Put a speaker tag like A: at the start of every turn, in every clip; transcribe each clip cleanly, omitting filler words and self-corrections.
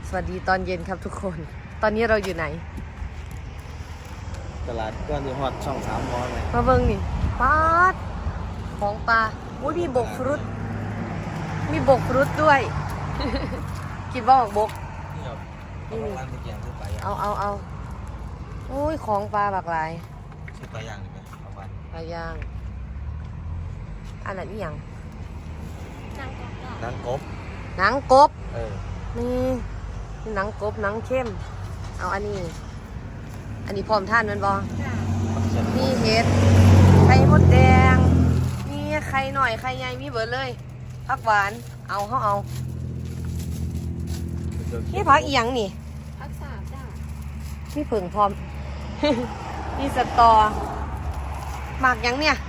A: สวัสดีตอนเย็นครับทุกคน ตอนนี้เราอยู่ไหน
B: ตลาดก้อนที่ฮอตช่อง3 มอไหม
A: มาเบิ่งนี่ปลาดของปลาอุ้ยมีบกฟรุตมีบกฟรุตด้วย กินบ้างบก
B: นี่ครับเอาร้านตะเกียงซื้อปลาย่าง
A: เอาอุ้ยของปลาหลากหลาย
B: ซื้อปลาย่างดีไหมเอาไป
A: ปลาย่างอันนั้นอีหยัง
B: หนังกบ
A: หนังกบ
B: นี่
A: นี่หนังกบหนังเข้มเอาอันนี้พร้อมท่านมันบอนี่เห็ดไข่มดแดงนี่ไข่หน่อยไข่ใหญ่มีเบิดเลยผักหวานเอานี่ผักอีหยังนี่
C: พักษาจ้า
A: นี่ผึ่งพร้อม นี่สตอหมากหยังเนี่ย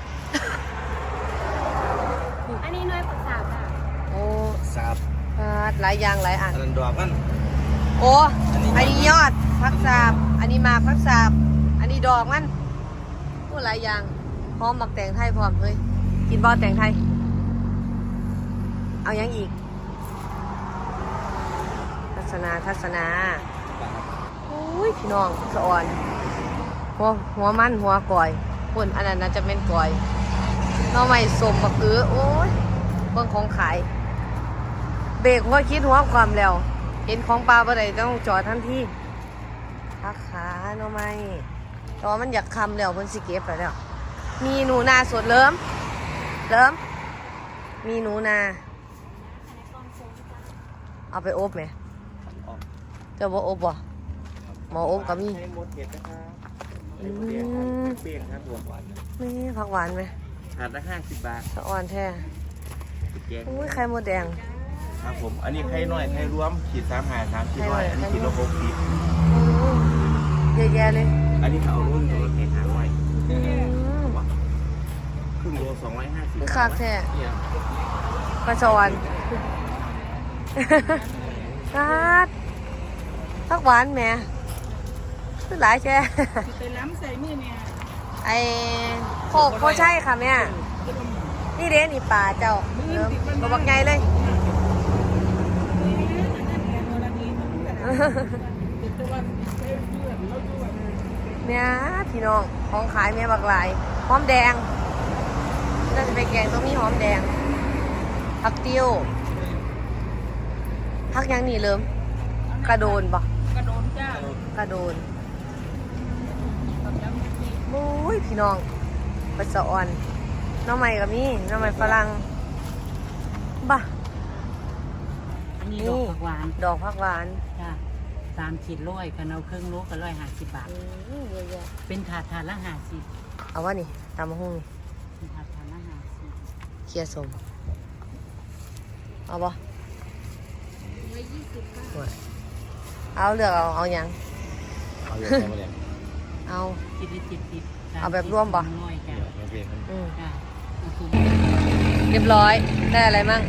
C: อันนี้น้อยพักษาจ้า
A: โอ้
B: สาบ
A: หลายอย่างหลายอัน
B: อันนั้นดอกมัน
A: โอ้อันนี้ยอดผักสาบอันนี้หมากผักสาบอันนี้ดอกมันโอ้หลายอย่างพร้อมหมักแตงไทยพร้อมเฮ้ยกินบอแตงไทยเอายังอีกทัศนาอุ้ยพี่น้องสะอ่อนหัวมันหัวก่อยคนอันนั้นน่าจะเป็นก่อยน้องใหม่สมบักอื้อโอ้ยเบิ่งของขายเบรกหัวคิดหัวความแล้วเห็นของปลาบ่ได้ต้องจอดทันทีพักขาน้องใหม่แต่ว่ามันอยากคำแล้วเพิ่นสิเก็บไปแล้วมีหนูนาสดเริ่มมีหนูนาเอาไปอบไหมเจ้าบ่อบบ่หมออบก็มี
B: ให้หมดเห็ดนะครับ
A: อืม
B: เปรี้ยงครับตัวหวาน
A: นี่ผักหวานไหม
B: ถาดละ50 บาท
A: สะอ่อนแท้
B: ตะเกียง
A: อุ้ยไข่มดแดง
B: ครับผมอันนี้ไข่น้อยไข่รวมขีด3 ขีดน้อยอันนี้ขีดละ6 ขีด
A: อืมเยอะแยะเลย
B: อันนี้เขาเอารุ่นตัวละแค่500
A: อืม
B: ครึ่งโล250
A: คือคากแท้
B: เนี่ย
A: ปลาสวรรค์ผักหวานแหม่คือหลายแช่
C: ไปล้ำใส่มือเนี่ย
A: ไอ้โคกโคใช่ค่ะแม่นี่เด้นี่ปลาเจ้าเริ่มตัวบักใหญ่เลย เนี่ยพี่น้องของขายแม่บักหลายหอมแดงน่าจะไปแกงต้องมีหอมแดงผักติ้วผักยังนี่เริ่มกระโดนบ่
C: กระโดนจ้าก
A: ระโดนโอ้ยพี่น้องปลาสะอ่อนน้องใหม่กับมีน้องใหม่ฝรั่งบ่ะ
D: อันนี้ดอกผักหวาน
A: ดอกผักหวาน
D: จ้ะ3 ขีดร้อยกันเอาครึ่งโลก็150 บาท
A: เยอะแยะ
D: เป็นถาดละ50
A: เอาวะนี่ตามมาหุ้งนี่
D: เป็นถาดละ50
A: เคี่ยวสมเอาบ่ เอาเลือกเอาอย่าง
B: เอาเยอะแค่มาเลย
A: เอา
D: กินได้70
A: เอาแบบร่วมบ่
D: น้อยจ้ะ
B: โอเคครับ
A: อืม
D: จ้ะเอาถุง
A: เรียบร้อย ได้อะไรมั่ง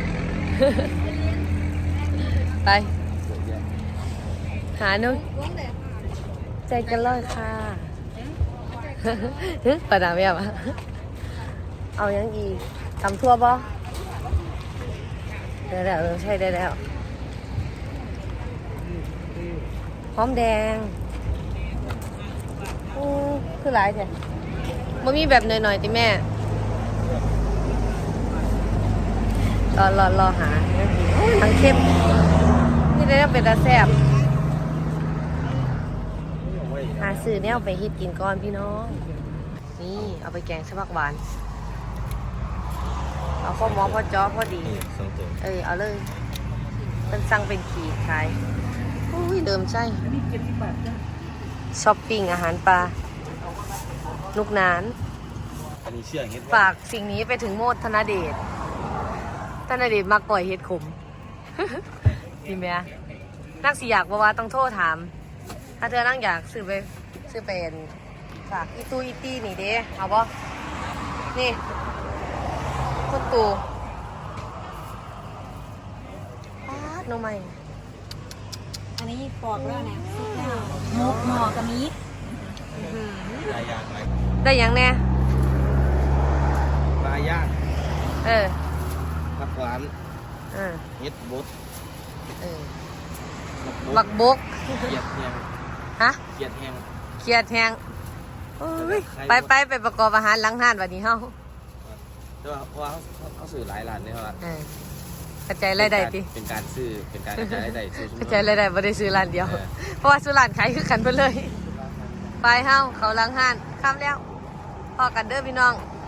A: ไป หาหนุใจกันเลยค่ะ ประดามแบบอะเอายังอีกตำทั่วบ่ได้แล้วใช่ได้แล้วหอมแดงคือหลายแท้มันมีแบบหน่อยๆติแม่รอหาทั้งเข้มนี่ได้เป็นตาแซ่บหาซื้อเนี่ยเอาไปเฮ็ดกินก่อนพี่น้องนี่เอาไปแกงสผักหวานเอาข้าวหมอพอจ้อพอดี
B: นี่2 ตัว
A: เอาเลยเป็นสั่งเป็นขีดขายอุ้ยเดิมใช่ช้อปปิ้งอาหารปลาลูกนาน
B: อันนี้เชื่อเห็ด
A: ฝากสิ่งนี้ไปถึงโมดธนเดชมาก่อยเฮ็ดขม ดีไหมนักสิอยากว่าต้องโทษถาม ถ้าเธอนั่งอยากซื้อเป็นฝากอีตี้นี่เด้เอาบ่นี่คุณตู่ป๊าดน้องใหม่
C: อันนี้ปอกแล้วนะมกหมอกับมีด
B: ปลาย่างอะไร
A: ได้ยังแน่
B: ปลาย่าง
A: เออ
B: ผักหวาน
A: เออ
B: เห็ดบด
A: เออ
B: ผักบ
A: บักบก
B: เกียดแหง
A: ฮะ
B: เกียดแหง
A: เครียดแฮงโอ้ยไปประกอบอาหารหลังห้านวันนี้เฮา
B: แต่ว่าเพราะว่าเขาซื้อหลายร้านเนี่ยครับ
A: กระจายรายได้ติ
B: เป็นการซื้อเป็นการกระจายรายได้ซื้อก
A: ระจายรายได้บ่ได้ซื้อร้านเดียว เพราะว่าซื้อร้านขายคือกันไปเลย ไปเฮาเขาหลังห้านค่ำแล้วพอกันเด้อพี่น้อง